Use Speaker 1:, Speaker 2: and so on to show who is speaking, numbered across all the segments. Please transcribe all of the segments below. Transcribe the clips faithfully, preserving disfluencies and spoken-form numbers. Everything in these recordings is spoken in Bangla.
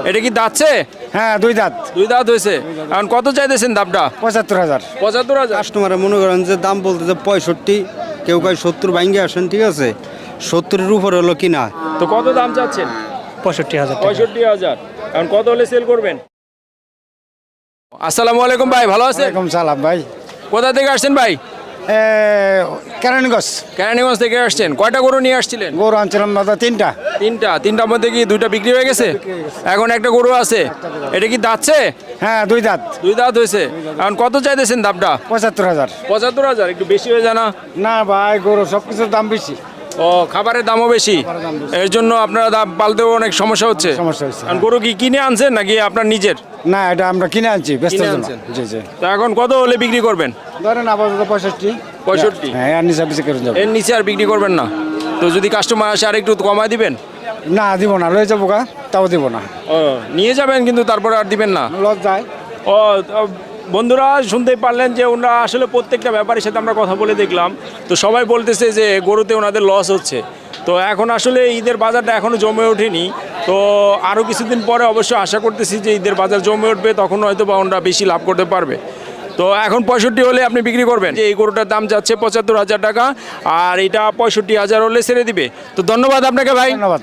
Speaker 1: এটা কি দাঁতছে?
Speaker 2: হ্যাঁ দুই দাঁত।
Speaker 1: দুই দাঁত হয়েছে। এখন কত চাইতেছেন দামটা?
Speaker 2: পঁচাত্তর হাজার।
Speaker 1: পঁচাত্তর হাজার।
Speaker 3: কাস্টমারে মনে করেন যে দাম বলতেছে পঁয়ষট্টি, কেউ কয় সত্তর ভাঙ্গে আসেন, ঠিক আছে, সত্তরের উপর হলো কিনা।
Speaker 1: তো কত দাম চাচ্ছেন?
Speaker 2: পঁয়ষট্টি হাজার।
Speaker 1: পঁয়ষট্টি হাজার। এখন কত হলে সেল করবেন? আসসালামু আলাইকুম ভাই, ভালো আছেন?
Speaker 2: ওয়ালাইকুম সালাম ভাই।
Speaker 1: কোথা থেকে আসছেন ভাই?
Speaker 2: কেরানীগঞ্জ।
Speaker 1: কেরানীগঞ্জ থেকে আসছেন। কয়টা গরু নিয়ে আসছিলেন?
Speaker 2: গরু আনছিলাম দাদা তিনটা।
Speaker 1: তিনটা। তিনটার মধ্যে কি দুইটা বিক্রি হয়ে গেছে? এখন একটা গরু আছে। এটা কি দাঁতছে?
Speaker 2: হ্যাঁ দুই দাঁত।
Speaker 1: দুই দাঁত হয়েছে। এখন কত চাইতেছেন দামটা?
Speaker 2: পঁচাত্তর হাজার।
Speaker 1: পঁচাত্তর হাজার। একটু বেশি হয়ে জানা?
Speaker 2: না ভাই, গরু সব কিছুর দাম বেশি।
Speaker 1: ও, খাবারের দামও বেশি, এর জন্য আপনারা দাম পালতেও অনেক সমস্যা হচ্ছে।
Speaker 2: সমস্যা হচ্ছে।
Speaker 1: এখন গরু কি কিনে আনছেন নাকি আপনার নিজের?
Speaker 2: না, এটা আমরা কিনে আনছি ব্যস্ত
Speaker 1: কিনে
Speaker 2: জন্য।
Speaker 1: আনছেন?
Speaker 2: জি জি।
Speaker 1: তো এখন কত হলে বিক্রি করবেন?
Speaker 2: ধরেন আপাতত পঁয়ষট্টি।
Speaker 1: পঁয়ষট্টি?
Speaker 2: হ্যাঁ, আর নিচে বেশি করে যাবো।
Speaker 1: এর নিচে আর বিক্রি করবেন না? তো যদি কাস্টমার আসে আর একটু কমায় দিবেন?
Speaker 2: না দিব না, লয়ে যাবো গা, তাও দিব না।
Speaker 1: ও, নিয়ে যাবেন কিন্তু তারপরে আর দিবেন না?
Speaker 2: লজ যায়।
Speaker 1: ও, তো বন্ধুরা শুনতেই পারলেন যে ওনারা আসলে প্রত্যেকটা ব্যাপারের সাথে আমরা কথা বলে দেখলাম, তো সবাই বলতেছে যে গরুতে ওনাদের লস হচ্ছে। তো এখন আসলে ঈদের বাজারটা এখনও জমে ওঠেনি, তো আরও কিছুদিন পরে অবশ্যই আশা করতেছি যে ঈদের বাজার জমে উঠবে, তখন হয়তো বা ওনারা বেশি লাভ করতে পারবে। তো এখন পঁয়ষট্টি হলে আপনি বিক্রি করবেন? যে এই গরুটার দাম যাচ্ছে পঁচাত্তর হাজার টাকা, আর এটা পঁয়ষট্টি হাজার হলে ছেড়ে দিবে। তো ধন্যবাদ আপনাকে ভাই।
Speaker 2: ধন্যবাদ।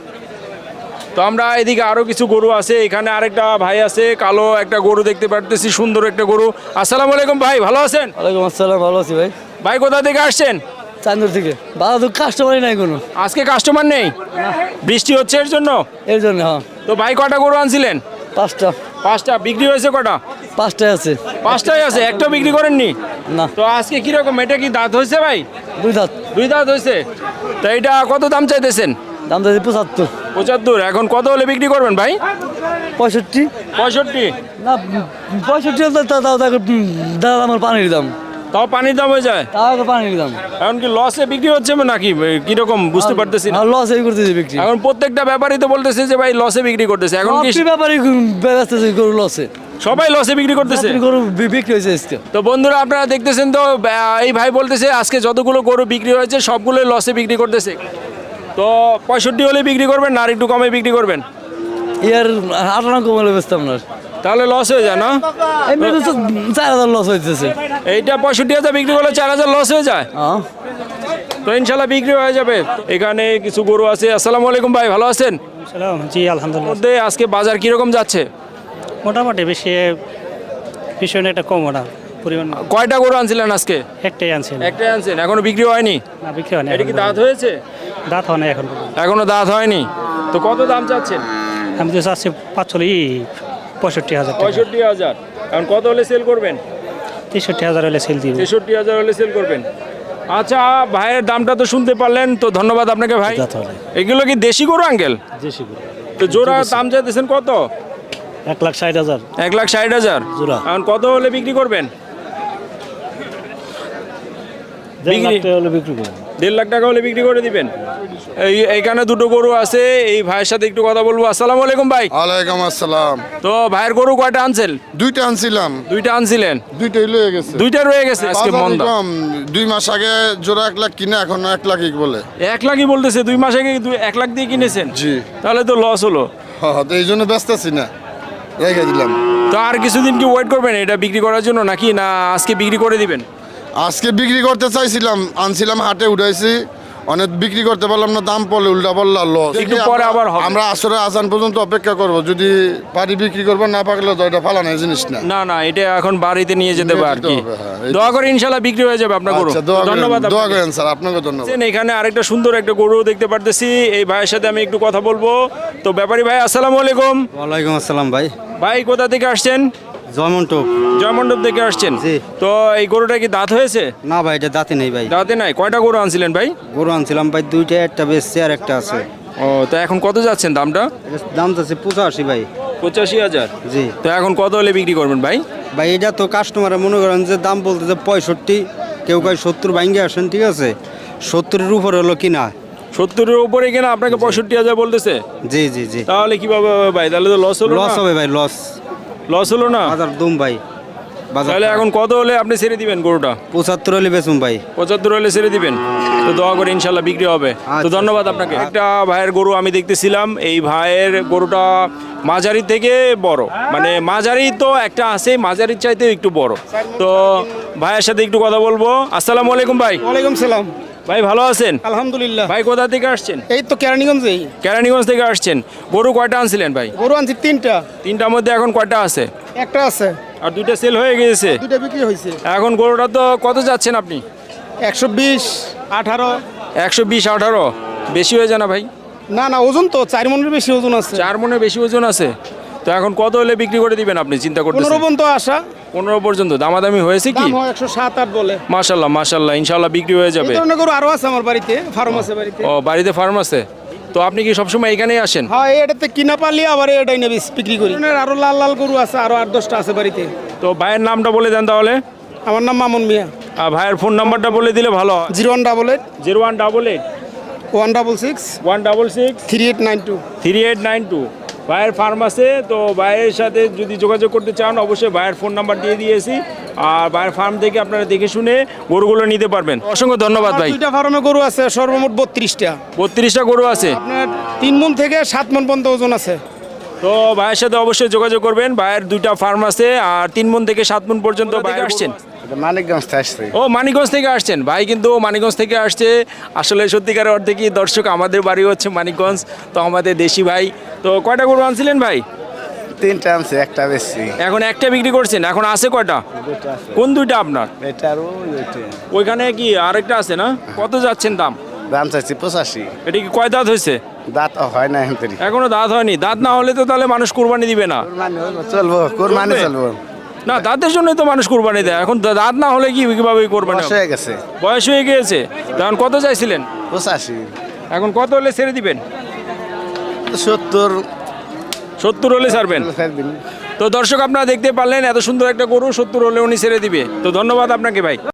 Speaker 1: তো আমরা এদিকে আরো কিছু গরু আছে, এখানে আরেকটা ভাই আছে, কালো একটা গরু দেখতে পারতেছি, সুন্দর একটা গরু। আসসালামু আলাইকুম ভাই, ভালো আছেন?
Speaker 4: ওয়ালাইকুম আসসালাম, ভালো আছি ভাই।
Speaker 1: ভাই কোথা থেকে আসছেন?
Speaker 4: চান্দুর থেকে। ভালো তো কাস্টমারই নাই কোনো।
Speaker 1: আজকে কাস্টমার নেই? বৃষ্টি হচ্ছে এর জন্য?
Speaker 4: এর জন্য হ্যাঁ।
Speaker 1: তো ভাই কটা গরু আনছিলেন?
Speaker 4: পাঁচটা।
Speaker 1: পাঁচটা। বিক্রি হয়েছে কটা?
Speaker 4: পাঁচটায় আছে।
Speaker 1: পাঁচটাই আছে, একটাও বিক্রি করেননি?
Speaker 4: না।
Speaker 1: তো আজকে কিরকম, এটা কি দাঁত হয়েছে ভাই?
Speaker 4: দুই দাঁত।
Speaker 1: দুই দাঁত হয়েছে। তো এটা কত দাম চাইতেছেন?
Speaker 4: দাম চাইছি পঁচাত্তর।
Speaker 1: পঁচাত্তর। এখন কত হলে বিক্রি করবেন ভাই?
Speaker 4: পঁয়ষট্টি।
Speaker 1: পঁয়ষট্টি?
Speaker 4: না, পঁয়ষট্টি হলে তা- তাও তাকে দাদা আমার পানির দাম।
Speaker 1: তাও পানির দাম হয়ে যায়?
Speaker 4: তাও তো পানির দাম।
Speaker 1: এখন কি লসে বিক্রি হচ্ছে নাকি কিরকম বুঝতে পারতেছি না।
Speaker 4: আর লস এই করতেছি বিক্রি।
Speaker 1: এখন প্রত্যেকটা ব্যাপারই তো বলতেছে যে ভাই লসে বিক্রি করতেছে। এখন কি
Speaker 4: সবটি ব্যাপারই ব্যস্ত আছে গরু লসে।
Speaker 1: সবাই লসে বিক্রি করতেছে?
Speaker 4: সবটি গরু বি- বিক্রি হয়েছে আজকে।
Speaker 1: তো বন্ধুরা আপনারা দেখতেছেন তো, আহ, এই ভাই বলতেছে আজকে যতগুলো গরু বিক্রি হয়েছে সবগুলোই লসে বিক্রি করতেছে। তো পঁয়ষট্টি হলে বিক্রি করবেন না আর একটু কমে বিক্রি করবেন?
Speaker 4: ইয়ার আটানা কমালে বেচতাম না।
Speaker 1: তাহলে লস হয়ে যায় না?
Speaker 4: এমনি তো চার হাজার লস হইতেছে।
Speaker 1: এইটা পঁয়ষট্টি হাজার বিক্রি করলে চার হাজার লস হয়ে যায়?
Speaker 4: হ্যাঁ।
Speaker 1: তো ইনশাল্লাহ বিক্রি হয়ে যাবে। এখানে কিছু গরু আছে। আসসালামু আলাইকুম ভাই, ভালো আছেন?
Speaker 5: জি আলহামদুলিল্লাহ।
Speaker 1: মধ্যে আজকে বাজার কিরকম যাচ্ছে?
Speaker 5: মোটামুটি বেশি ভীষণ একটা কম ওটা পরিমাণ।
Speaker 1: কয়টা গরু আনছিলেন আজকে?
Speaker 5: একটাই আনছেন।
Speaker 1: একটাই আনছেন, এখনো বিক্রি হয়নি?
Speaker 5: না, বিক্রি হয় না।
Speaker 1: এটা কি দাঁত হয়েছে?
Speaker 5: দাঁত হয় না এখন পর্যন্ত।
Speaker 1: এখনো দাঁত হয়নি। তো কত দাম চাচ্ছেন?
Speaker 5: আমি তো চাচ্ছি পাঁচচল্লিশ পঁয়ষট্টি হাজার টাকা।
Speaker 1: পঁয়ষট্টি হাজার। এখন কত হলে সেল করবেন?
Speaker 5: তেষট্টি হাজার হলে সেল দিব।
Speaker 1: তেষট্টি হাজার হলে সেল করবেন। আচ্ছা, ভাইয়ের দামটা তো শুনতে পারলেন, তো ধন্যবাদ আপনাকে ভাই।
Speaker 5: দাঁত হবে।
Speaker 1: এগুলো কি দেশি গরু আঙ্কেল?
Speaker 5: দেশি গরু।
Speaker 1: তো জোড়া দাম চাইতেছেন কত?
Speaker 5: এক লাখ ষাট হাজার
Speaker 1: এক লাখ ষাট হাজার
Speaker 5: জোড়া।
Speaker 1: এখন কত হলে বিক্রি করবেন?
Speaker 5: দেড় লাখ
Speaker 1: বিক্রি-
Speaker 5: টাকা হলে বিক্রি করবো।
Speaker 1: দেড় লাখ টাকা হলে বিক্রি করে দিবেন। এই এইখানে দুটো গরু আছে, এই ভাইয়ের সাথে একটু কথা বলবো। আসসালামু আলাইকুম ভাই।
Speaker 6: ওয়ালাইকুম আসসালাম।
Speaker 1: তো ভাইয়ের গরু কয়টা আনছেন?
Speaker 6: দুইটা আনছিলাম,
Speaker 1: দুইটা আনছিলেন?
Speaker 6: দুইটাই লয়ে গেছে।
Speaker 1: দুইটা রয়ে গেছে আজকে
Speaker 6: বাজারে
Speaker 1: মন্দা।
Speaker 6: কম, দুই মাস আগে জোড়া এক লাখ কিনে এখন এক লাখই বলে।
Speaker 1: এক লাখই বলতেছে? দুই মাস আগে দুই- এক লাখ দিয়ে কিনেছেন?
Speaker 6: জি।
Speaker 1: তাহলে তো লস হলো।
Speaker 6: হ্যাঁ, তো এই জন্য ব্যস্ত আছি না, রেখে দিলাম।
Speaker 1: তো আর কিছুদিন কি ওয়েট করবেন এটা বিক্রি করার জন্য, নাকি না আজকে বিক্রি করে দিবেন?
Speaker 6: আজকে বিক্রি করতে চাইছিলাম, আনছিলাম হাটে উঠাইছি, অনেক বিক্রি করতে পারলাম না, দাম পড়লে উল্টা পড়লা লস।
Speaker 1: একটু পরে আবার হবে।
Speaker 6: আমরা আসরে আজান পর্যন্ত অপেক্ষা করব, যদি পারি বিক্রি করবো, না পারলে তো এটা ফালানোর জিনিস না।
Speaker 1: না না, এটা এখন বাড়িতে নিয়ে যেতে হবে আর কি।
Speaker 6: যেতে হবে, হ্যাঁ, এই-
Speaker 1: দোয়া করে ইনশাল্লাহ বিক্রি হয়ে যাবে আপনার গরু।
Speaker 6: আচ্ছা, দোয়া করেন,
Speaker 1: ধন্যবাদ
Speaker 6: দোয়া
Speaker 1: আপনাকে।
Speaker 6: করেন স্যার, আপনাকে ধন্যবাদ।
Speaker 1: এখানে আরেকটা সুন্দর একটা গরু দেখতে পারতেছি, এই ভাইয়ের সাথে আমি একটু কথা বলবো। তো ব্যাপারী ভাই আসসালামু আলাইকুম।
Speaker 3: ওয়ালাইকুম আসসালাম ভাই।
Speaker 1: ভাই কোথা থেকে আসছেন?
Speaker 3: জয়মন্টপ।
Speaker 1: জয়মণ্ডপ থেকে আসছেন?
Speaker 3: জি।
Speaker 1: তো এই গরুটা কি দাঁত হয়েছে?
Speaker 3: না ভাই, এটা দাঁতে নেই ভাই।
Speaker 1: দাঁতে নাই। কয়টা গরু আনছিলেন ভাই?
Speaker 3: গরু আনছিলাম ভাই দুইটা, একটা বেচছে আর একটা আছে।
Speaker 1: ও, তো এখন কত যাচ্ছেন দামটা?
Speaker 3: এটার দাম তো আছে পঁচাশি ভাই।
Speaker 1: পঁচাশি হাজার।
Speaker 3: জি
Speaker 1: তো এখন কত হলে বিক্রি করবেন ভাই?
Speaker 3: ভাই, এটা তো কাস্টমারে মনে করেন যে দাম বলতেছে পঁয়ষট্টি, কেউ কয় সত্তর ভাঙ্গে আসেন, ঠিক আছে, সত্তরের উপর হলো কিনা।
Speaker 1: সত্তরের উপরে কিনা আপনাকে পঁয়ষট্টি হাজার বলতেছে?
Speaker 3: জি জি জি।
Speaker 1: তাহলে কিভাবে হবে ভাই? তাহলে তো লস হলো।
Speaker 3: লস হবে ভাই, লস।
Speaker 1: লস হলো না?
Speaker 3: হাজার দুম ভাই। বাজার
Speaker 1: তাহলে এখন কত হলে আপনি ছেড়ে দিবেন গরুটা?
Speaker 3: পঁচাত্তর হলে বেচুম ভাই।
Speaker 1: পঁচাত্তর হলে ছেড়ে দিবেন, তো দোয়া করে ইনশাল্লাহ বিক্রি হবে। তো
Speaker 3: আচ্ছা।
Speaker 1: ধন্যবাদ আপনাকে। একটা ভাইয়ের গরু আমি দেখতেছিলাম, এই ভাইয়ের গরুটা মাঝারি থেকে বড়, মানে মাঝারি তো একটা আছে, মাঝারির চাইতেও একটু বড়। তো ভাইয়ের সাথে একটু কথা বলবো। আসসালামু আলাইকুম ভাই।
Speaker 7: ওয়ালাইকুম সালাম।
Speaker 1: ভাই ভালো আছেন?
Speaker 7: আলহামদুলিল্লাহ।
Speaker 1: ভাই কোথা থেকে আসছেন?
Speaker 7: এই তো কেরানীগঞ্জেই।
Speaker 1: কেরানীগঞ্জ থেকে আসছেন। গরু কয়টা আনছিলেন ভাই?
Speaker 7: গরু আনছি তিনটা,
Speaker 1: তিনটার মধ্যে এখন কয়টা আছে?
Speaker 7: একটা আছে,
Speaker 1: আর দুইটা সেল হয়ে গিয়েছে।
Speaker 7: দুইটা বিক্রি হয়েছে।
Speaker 1: এখন গরুটা তো কত যাচ্ছেন আপনি?
Speaker 7: একশো বিশ আঠারো।
Speaker 1: একশো বিশ আঠারো বেশি হয়ে যায় না ভাই?
Speaker 7: না না, ওজন তো চার মনের বেশি ওজন আছে।
Speaker 1: চার মনে বেশি ওজন আছে। তো এখন কত হলে বিক্রি করে দিবেন আপনি চিন্তা
Speaker 7: পনেরো
Speaker 1: করতেছেন?
Speaker 7: পর্যন্ত আসা।
Speaker 1: পনেরো পর্যন্ত দামাদামি হয়েছে কি?
Speaker 7: দাম হয় একশো সাত আট বলে।
Speaker 1: মাশাল্লাহ মাশাল্লাহ, ইনশাল্লাহ বিক্রি হয়ে
Speaker 7: এই
Speaker 1: যাবে।
Speaker 7: ধরনের গরু আরো আছে আমার বাড়িতে, ফার্ম আছে বাড়িতে।
Speaker 1: ও বাড়িতে ফার্ম আছে, তো আপনি কি সবসময় এখানেই আসেন?
Speaker 7: হ্যাঁ, এটাতে কিনা পারলে আবার এটাই নেবে বিক্রি করি। আরো লাল লাল গরু আছে, আরো আট দশটা আছে বাড়িতে।
Speaker 1: তো ভাইয়ের নামটা বলে দেন তাহলে।
Speaker 7: আমার নাম মামুন মিয়া।
Speaker 1: আর ভাইয়ের ফোন নাম্বারটা বলে দিলে ভালো হয়।
Speaker 7: Zero one double eight
Speaker 1: zero one double eight
Speaker 7: one double six
Speaker 1: one double six
Speaker 7: three eight nine two.
Speaker 1: Three eight nine two. ভাইয়ের ফার্ম আছে, তো ভাইয়ের সাথে যদি যোগাযোগ করতে চান অবশ্যই ভাইয়ের ফোন নাম্বার দিয়ে দিয়েছি। আর ভাইয়ের ফার্ম থেকে আপনারা দেখে শুনে গরুগুলো নিতে পারবেন। অসংখ্য ধন্যবাদ ভাই।
Speaker 7: দুইটা ফার্মে গরু আছে, সর্বমোট বত্রিশটা।
Speaker 1: বত্রিশটা গরু আছে।
Speaker 7: আপনার তিন মন থেকে সাত মন পর্যন্ত ওজন আছে।
Speaker 1: তো ভাইয়ের সাথে অবশ্যই যোগাযোগ করবেন। ভাইয়ের দুইটা ফার্ম আছে, আর তিন মন থেকে সাত মন পর্যন্ত ভাই আসছেন।
Speaker 2: মানিকগঞ্জ আসছে।
Speaker 1: ও মানিকগঞ্জ থেকে আসছেন ভাই, কিন্তু মানিকগঞ্জ থেকে আসছে। আসলে সত্যিকারের অর্থে কি দর্শক, আমাদের বাড়ি হচ্ছে মানিকগঞ্জ, তো আমাদের দেশি ভাই। তো কয়টা গরু আনছিলেন ভাই?
Speaker 2: তিনটা আনছে, একটা বেশি।
Speaker 1: এখন একটা বিক্রি করছেন, এখন আছে কয়টা? কোন দুইটা আপনার?
Speaker 2: এটা আর ওইটা।
Speaker 1: ওইখানে কি আরেকটা আছে না? কত যাচ্ছেন দাম?
Speaker 2: দাম চাইছি পঁচাশি।
Speaker 1: এটা কি কয় দাঁত হয়েছে?
Speaker 2: দাঁত হয় না এখন।
Speaker 1: এখনো দাঁত হয়নি। দাঁত না হলে তো তাহলে মানুষ কুরবানি দিবে না।
Speaker 2: চলবো, কোরবানি চলবো।
Speaker 1: না, দাঁতের জন্যই তো মানুষ কুরবানি দেয়। এখন দাঁত না হলে কি কিভাবে কোরবানি হবে?
Speaker 2: হয়ে গেছে
Speaker 1: বয়স হয়ে গিয়েছে। তখন কত চাইছিলেন?
Speaker 2: পঁচাশি।
Speaker 1: এখন কত হলে ছেড়ে দিবেন?
Speaker 2: সত্তর।
Speaker 1: সত্তর হলে ছাড়বেন। তো দর্শক আপনারা দেখতে পারলেন, এত সুন্দর একটা গরু সত্তর হলে উনি ছেড়ে দিবে। তো ধন্যবাদ আপনাকে ভাই।